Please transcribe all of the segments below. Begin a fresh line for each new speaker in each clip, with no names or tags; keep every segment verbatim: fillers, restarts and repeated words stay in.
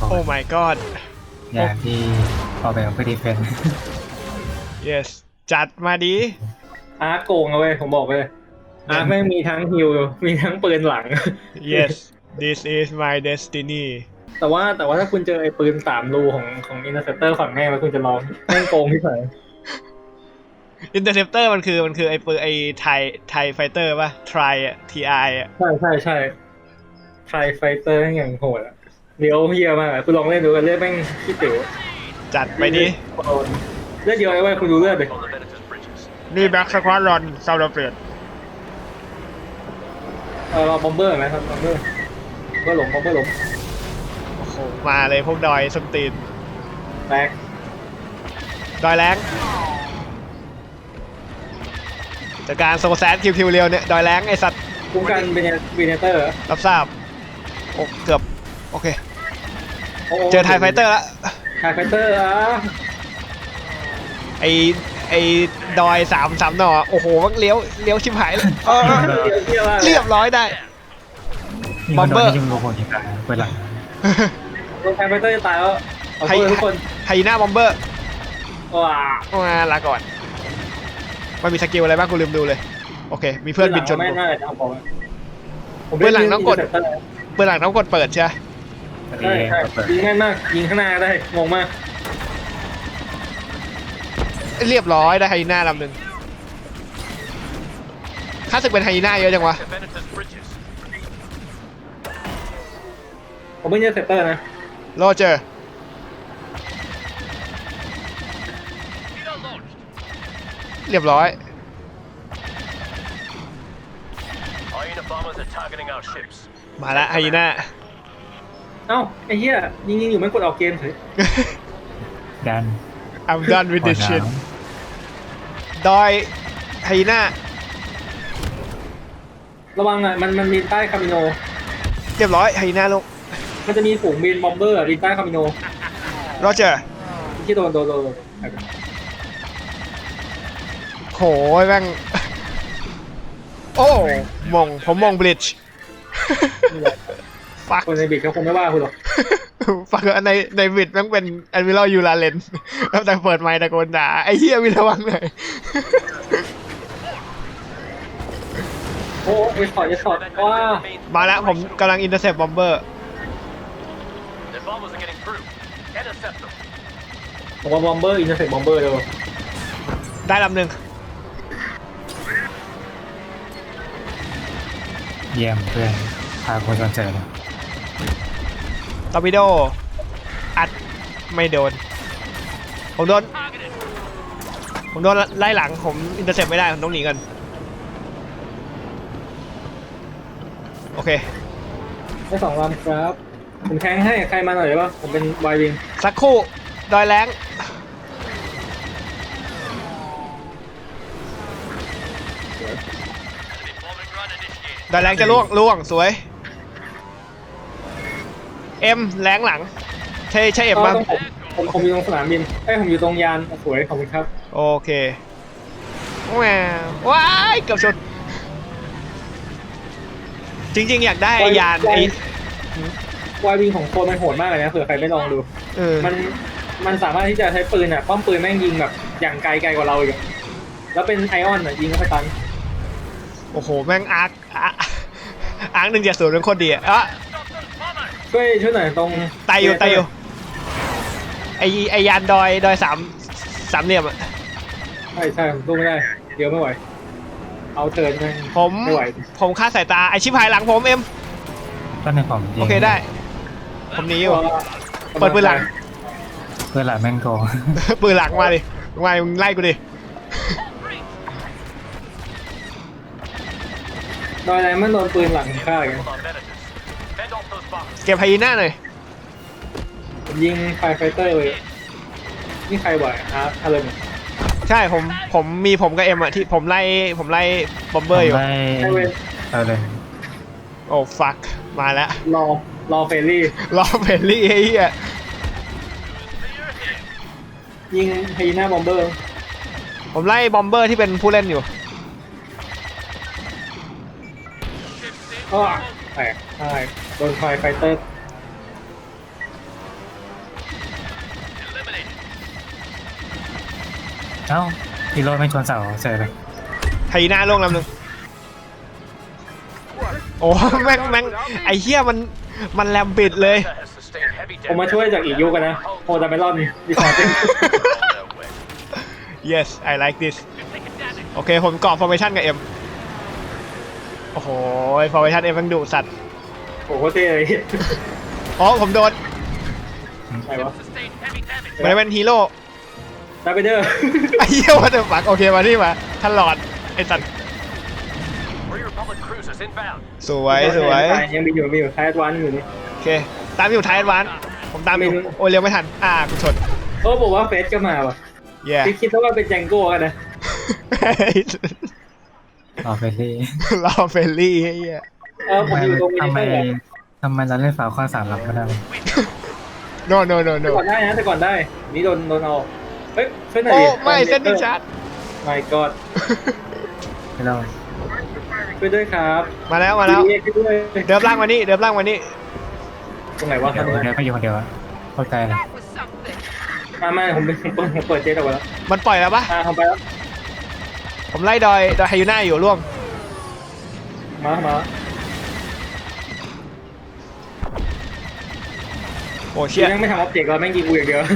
โอ้ my god
อย่างที่ออกแบบเพื่อดีเฟน
yes จัดมาดี
อาร์โกงเอาไว้ผมบอกเลยอาร์แม่งมีทั้งฮิลมีทั้งปืนหลัง
yes this is my destiny
แต่ว่าแต่ว่าถ้าคุณเจอไอ้ปืนสามรูของของอินเตอร์เซปเตอร์ฝั่งแม่มันคุณจะลองแม่งโกงที่ไหน
interceptor มันคือมันคือไอ้ปืนไอ้ไทยไทยไฟเตอร์ป่ะ try อ่ะ ti อ่ะ
ใช่ใช่ใช่ไทยไฟเตอร์อย่างโหดอะเดี๋ยวเฮียมากอะคุณลองเล่นดูกันเลือดแม่งขี้ติ๋ว
จัดไปดิ
เลือดเดียวไอ้เว้ยคุณดูเลือดดิ
นี่แบ็กสควอตรอนซาวด์เฟด
เออเราบอมเบอร์ไหมครับบอมเบอร์บอมเบอร์หลงบอมเบอร์หลง
โอ้โหมาเลยพวกดอยส้นตีน
แตก
ดอยแรงจากการโซแซนคิวคิวเรียวเนี่ยดอยแรงไอสัตว์
คุ้มกันเป็นวีเนเตอร์
รับทราบโอ้เกือบโอเคเจอไทยไฟเตอร์แล้ว
ไทยไฟเตอร์อ่ะ
ไอไอดอยสามสามหน่อโอ้โหมันเลี้ยวเลี้ยวชิบหายเลยเออ
เรียบร้อย
เรียบร้อยได้ บอมเบอร์
ยิงโลโก้ยิงตายเปิดหลัง
ไทยไฟเตอร์จะตายแล้วขอโทษทุกคน
ไฮยีน่าบอมเบอร์
ว้า
มาลาก่อนมันมีสกิลอะไรบ้างกูลืมดูเลยโอเคมีเพื่อนบินชน
ไม่
กู
น่าจะเอาผมผม
เบื้องหลังต้องกด เปิดหลังต้องกดเปิดใช่ไหม
ใช่ใช่ยิงแม่นมากยิงข้างหน้าได้งงมาก
เรียบร้อยได้ไฮยีน่าลำหนึ่งค่าศึกเป็นไฮยีน่าเยอะจังวะ
ผมไม่ใช่เซตเตอร์นะ
โรเจอร์เรียบร้อยมาละไฮยีน่า
เอ้าไอ้เหี้ยยิงยิงอยู่ไม่กดออกเกมเฉย
ดัน
I'm done with this shit ดอยไฮยีน่า
ระวังอ่ะมันมันมีใต้คามิโน
เรียบร้อยไฮยีน่าลง
มันจะมีฝูงบินบอมเบอร์บินใต้คามิโน
โรเจอร์
ที่โดนโดนโดน
โหยแม่ง โอ้มองผมมองบลิชฟัก
คนในบิดเขาคงไม่ว่าคุณหรอก
ฟักในในบิดแม่งเป็นแอนวิลยูลาเลนแล้วแต่เปิดไมค์ตะโกนด่าไอ้เหี้ยวินระวังหน่อย
โอ้เอสพอร์ตเอสพอร์ตว้า
มาแล้วผมกำลังอินเตอร์เซปบอมเบอร์
ผมว่าบอมเบอร์อินเตอร์เซ็ตบอมเบอร์เดียว
ได้ลำหนึ่ง
เยี่ยมเพื่อนพาคนสนใจเลย
ตอร์ปิโดอัดไม่โดนผมโดนผมโดนไล่หลังผมอินเตอร์เซปไม่ได้ผมต้องหนีกันโอเค
ได้สองลำครับผมแทงให้ใครมาหน่อยได้ป่ะผมเป็นวายวิง
สักครู่ดอยแรงดอยแรงจะล่วงล่วงสวยเอ็มแรงหลังใช่ใช่เอ็มบ้าง
ผมผมผมอยู่ตรงสนามบินไอ้ผมอยู่ตรงยานสวยขอบคุณครับ
โอเคแหวว้ายเกือบชนจริงๆอยากได้ไอ้ยานไอ้
วายวิงของโคนมันโหดมากเลยนะเผื่อใครไม่ลองดู
เออ
มันมันสามารถที่จะใช้ปืนอ่ะป้อมปืนแม่งยิงแบบอย่างไกลไกลกว่าเราอีกอะแล้วเป็นไอออนอ่ะยิงเข้าไปตัน
โอ้โหแม่งอาร์คอาร์คอาร์คหนึ่งเจ็ดศูนย์เป็นโคตรดีอะอ่ะ
ช่วยช่วยหน่อยตรง
ไตอยู่ไตอยู่ไอไอยานดอยดอยสามสามเหลี่ยมอะ
ใช่ใช่ผมสู้ไม่ได้เดี๋ยวไม่ไหวเอาเทิร์นแม่ง
ผม
ไม่ไหว
ผมคาดสายตาไอชิบหายหลังผมเอ็ม
ต้นในผมยิง
โอเคได้ ผมหนีอยู่ เปิดปืนหลัง
เพื่อนหลังแม่งโกง
ปืนหลังมาดิมามึงไล่กูดิ
ดอยอะไรมันโดนปืนหลังฆ่าอย่างเงี้ย
เก็บไฮยีน่าหน่อย
ผมยิงไฟไฟเตอร์เลยนี่ใครไหวอาร์อะไรเนี่ย
ใช่ผมผมมีผมกับเอ็มอะที่ผมไล่ผมไล่บอมเบอร์อยู่
ได้เอาเลย
โอ้ฟักมาแล้ว
รอรอเฟรนลี่
รอเพลลี่ไอ้เหี้ย
ยิงไฮยีน่าบอมเบอร์
ผมไล่บอมเบอร์ที่เป็นผู้เล่นอยู่
ก็แตกใช่โดนไฟไฟเตอร์
เอ้าฮีโร่ไม่ชนเสาเฉยเลย
ไฮยีน่าลงลำหนึ่งโอ้แม่งแม่งไอ้เหี้ยมันมันแลมบิดเลย
ผมมาช่วยจากอีกยุคกันนะโฮดาเมลอนดีคอร์เต็ม
yes I like this โอเคผมกรอบ formation กับ M โอ้โห formation M มันดุสัตว์
โอ้โหเท่เลย
อ๋อผมโดน
ไหนวะ
มันเป็นฮีโร่
ดาร์เบเดอร์
ไอ้เหี้ยว่าจะฝักโอเคมาที่มาท่านหลอดไอ้สัตว์สวยสวย
ยังมีอยู่มีอยู่ท้ายวันอยู่นี่
โอเคตามอยู่ท้ายวันผมตามอยู่โอ้ยเร็วไม่ทันอ่ากูชน
เออบอกว่าเฟสก็มาว่ะ
เย่
คิดคิดว่าเป็นแจงโก้กันนะ
รอเฟรลี่
รอเฟลลี่ไอ้เหี้ย
เออผมอยู่ตรงนี้
ทำไม
ได้แหละ
ทำไมเราเล่นฝาข้อสามรับไม่ได้
no no no
แต่
no
ก่อนได้นะแต่ก่อนได้ นี่โดนโดนเอาเฮ้ยช่วยหน่อย
โอ้
ดิ
ไม่เส้นดิชาร์ด
ไม่กอด
ไม่เรา
ช่วยด้วยครับ
มาแล้วมาแล้ว
ช่วยด้วย
เดิมล่างมานี่เดิมล่างมานี่
ตรงไหนวะ
เดี๋ยวเดี๋ยวไปอยู่คนเดียวอะโคตรไกลเลย
มามาผมผมเปิดผมเปิดเจ๊ออกมาแล้ว
มันปล่อยแล้วปะ
อ่าทำไปแล้ว
ผมไล่ดอยดอยไฮยูน่าอยู่ร่วง
มามา
โอ้
เชี่
เชี่
ย
ย
แม่งไม่ทำออบเจกต์เราแม่งยิงกูอย่างเดียว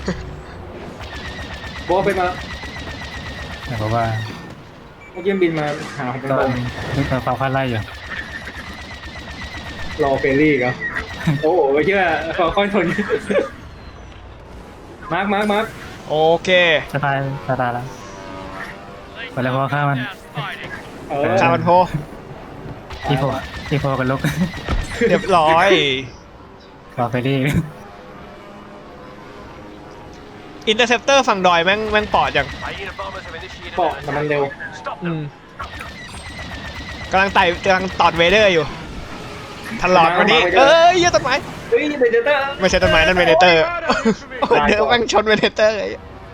โบะเป็นมาแล้ว
แต่เพราะว่า
เมื่อกี้มันบินมาหาผมเป็น
ต
ล
อน
ม
นึกว่าฟ้าคาดไล่อยู่
รอเฟรรี่อีก็โอ้โหไม่เชื่อขอค่อยทนมาร์คมาร์คมาร์ค
โอเค
จะตายจะตายแล้วไปแล้วเพราะว่าฆ่ามัน
เออ
ชาบันโพ
ที่โพที่โพกันลุก
เรียบร้อย
รอเฟรลี่
อินเตอร์เซปเตอร์ฝั่งดอยแม่งแม่งปอดอย่าง
เกาะแต่มันเร็ว
อืมกำลังไต่กำลังตอดเวเดอร์อยู่ทันหลอดวันนี้เอ้ยเหี้ยต้นไม้
เฮ้ยเบเดเตอร์
ไม่ใช่ต้นไม้นั่นเวเดเตอร์เดี๋ยวแม่งชนเวเดเตอร์ไอ้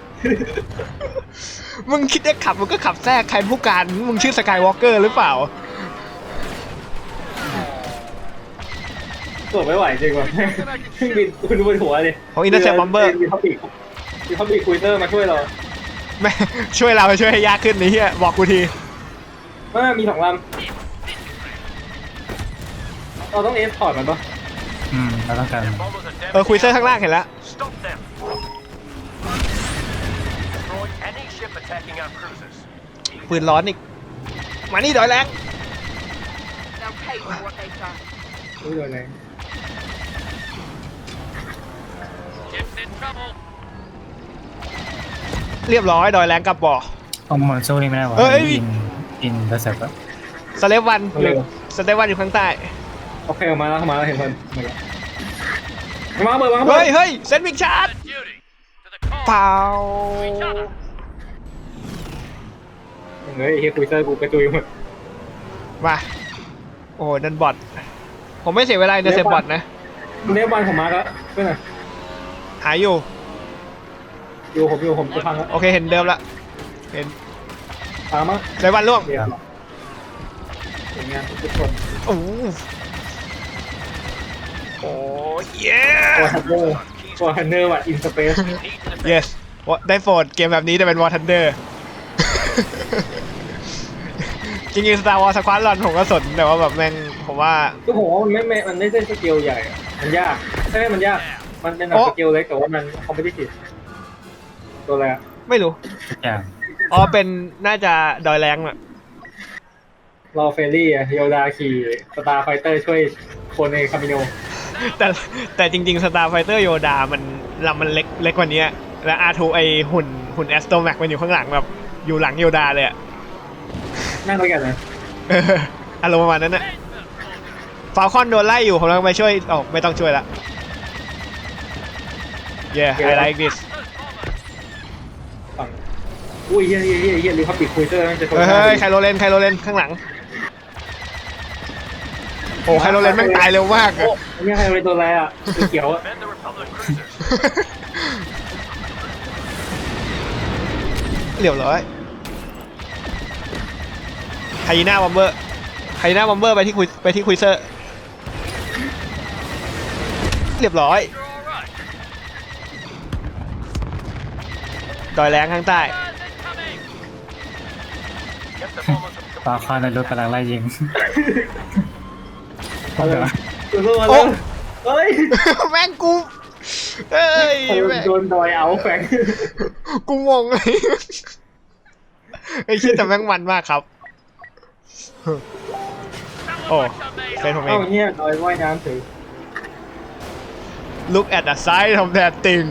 มึงคิดจะขับมึงก็ขับแทรกใครผู้การมึงชื่อสกายวอล์กเกอร์หรือเปล่า
ตรวจไม่ไหวจริงว่ะบินคุณดูบนหัวเลย
ของอินเตอร์เซปบอมเบอร์
มีท็อปิกมีท็อปิกคุยเตอร์มาช่วยเรา
แม่ช่วยเราช่วยให้ยากขึ้นนี่เฮียบอกกูที
ว่ามีสองลำเราต้องเอสพอร์ตมันปะ
อืมเราต้องการ
เออคุยเซอร์ข้างล่างเห็นแล้ว ปืนร้อนอีก มานี่ดอยแรง
They'll pay for what they've done.
อุ้ยโดนอะไร
เรียบร้อยดอยแรงกลับบ่อ
เอามอนสู้นี่ไม่ได้วะ
เอ้ย
อินอินเตอร์เซ็ปต์อะ
สเลฟวันอยู่สเลฟวันอยู่ข้างใต้
โอเคออกมาแล้วเข้ามาแล้วเห็นคนมาแล้วมาเบิร์มาเบิ
เฮ้
ร์
ยเฮ้ยเซนวิกชาร์ดเปล่า
เฮ้ยเฮียคุยเตอร์กูกระจุยหมด
มา โอ้นั่นบอทผมไม่เสียเวลาในเซฟบอทนะ
เนฟบอลผมมาแล้วเพื่อน
หายอยู่
อยู่ผมอยู่ผมจะพังแล้ว
โอเคเห็นเดิมละเห็น
ตามมา
เซฟวันล่วง
เดี๋ยวสวยงามทุกคน
โอ้โหโอ้เย้
วอร์ทันเดอร์วอร์ทันเดอร์ว่ะอินสเปซ
yes ได้โฟดเกมแบบนี้จะเป็นวอร์ทันเดอร์ จริงๆ Star Wars Squadron รอนผมก็สนแต่ว่าแบบแม่งผมว่า
ก็ผมว่ามันไม่ไม่มันไม่ใช่สเกลใหญ่อะมันยากใช่มันยากมันเป็นแบบ
โอ้
สเกลเล็กแต่ว่ามันคอมเพลติฟตัวอะไรอะ
ไม่รู้
ทุกอย่าง
อ๋อเป็นน่าจะดอยแรงอะ
รอเฟรรี่อะโยดาขี่สตาร์ไฟเตอร์ช่วยคนในคามิโน
แต่แต่จริงๆ Star Fighter Yoda มันลำมันเล็กเล็กกว่านี้และอาร์ทูไอหุ่นหุ่น Astromech มันอยู่ข้างหลังแบบอยู่หลังโยดาเลยอะ
นั่งด้วยกันนะ
เอออารมณ์ประมาณนั้นนะฟาลคอนโดนไล่อยู่ผมกำลังไปช่วยอ๋อไม่ต้องช่วยละ yeah I like this
ฝั่งอุ้ยเฮียเฮียเฮียเฮียรีพับบิกคุยเตอร์มันจะชน
เฮ้ยเฮ้ยไคโรเลนไคโรเลนข้างหลังโอ้ไคโรเลนแม่งตายเร็วมากอะ
โอ้อันนี้ใครเป็นตัวอะไรอ่ะตัวเขียวอะ
เรียบร้อยไฮยีน่าบอมเบอร์ไฮยีน่าบอมเบอร์ไปที่คุยไปที่คุยเซอร์เรียบร้อยดอยแรงข้างใต้
ปาคอนในรถกำลังไล่ยิง
เอาเลยสู้ๆมาเลยเฮ้ย
แม่งกูเอ้ยแม่ง
โดนดอยเอาแฝง
กูงงเลยไอ้คิดแต่แม่งมันมากครับโอ้เป็นผมเอ
เอ้าง เงี้ยดอยว่ายน้ำถือ
look at the size of that thing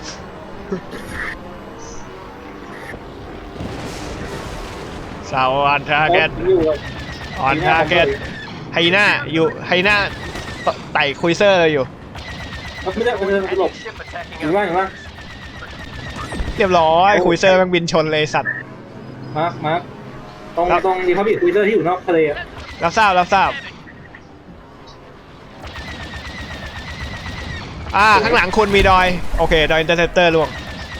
สาวอันทาร์เก็ต
อยู่อะ
ออนทาร์เก็ตไฮน่าอยู่ไฮน่าไต่คุยเซอร์เลยอยู่
ไม่ได้ไม่ได้ไม่ได้หลบเห็นว่าเห็นว่า
เรียบร้อยคุยเซอร์แม่งบินชนเลยสัตว์
มาร์คมาร์คตรง
ครับ
ตรงดีพับบิคคุยเตอร์ที่อยู่นอกทะเลอะ
รับทราบรับทราบอ่าข้างหลังคุณมีดอยโอเคดอยอินเตอร์เซปเตอร์ล่วง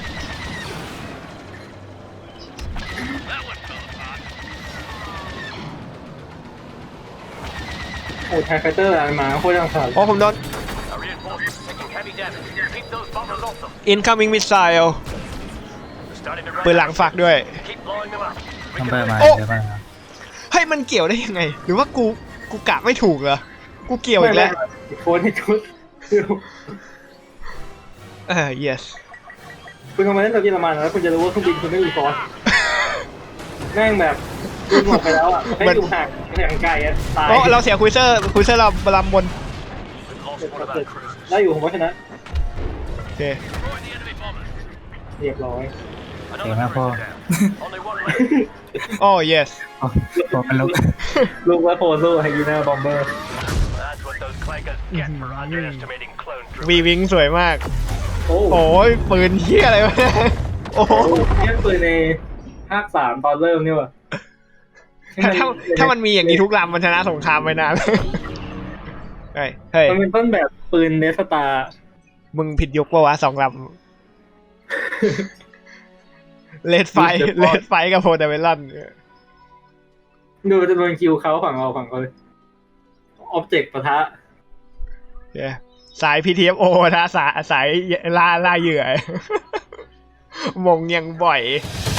โอ้ไทไฟเตอร์อะไรมาโคตรยังขาด
โอ้ผมโดน incoming missile ปืนหลังฝากด้วย
ทำไปมา
โอ้
เดี๋ยวมาครับ
เฮ้ยมันเกี่ยวได้ยังไง หรือว่ากูกูกะไม่ถูกเหรอกูเกี่ยวอีกแล้ว
โคนให้ชุด
เออ yes
คุณลงมาเล่นตัวเยอรมันแล้วคุณจะรู้ว่าเครื่องบินคุณไม่มีฟอสแม่งแบบคุณหมดไปแล้วอ่ะให้อยู่ห่างห่างไกลอ่ะตาย
โอ้เราเสียคุยเซอร์คุยเซอร์เราลำบน
ได้อยู่ผมว่าชนะ
โอเค
เรียบร้อย
เก่งมากพ่อ
โอ้ yes
โอ้โหเป็นลูก
ลูกว่าโฟโซไฮยีน่าบอมเบอร์
วีวิงสวยมาก
โอ้
โอ้ยปืนเฮียอะไรวะเนี่ยโอ้โห
เนี่ยปืนในภาคสามตอนเริ่มนี่ว่ะ
ถ้าถ้าถ้ามันมีอย่างนี้ทุกลำมันชนะสงครามไปนานเฮ้ยเฮ้ย
มันเป็นต้นแบบปืนเนสตา
มึงผิดยุคปะวะสองลำเลดไฟเลดไฟกับโพเดเวลัน
ดูจำนวนคิวเขาฝั่งเราฝั่งเขาเลยออบเจกต์ปะทะ
Yeah. สาย พี ที เอฟ โอ นะสายสายล่าล่าเหยื่อ มงยังบ่อย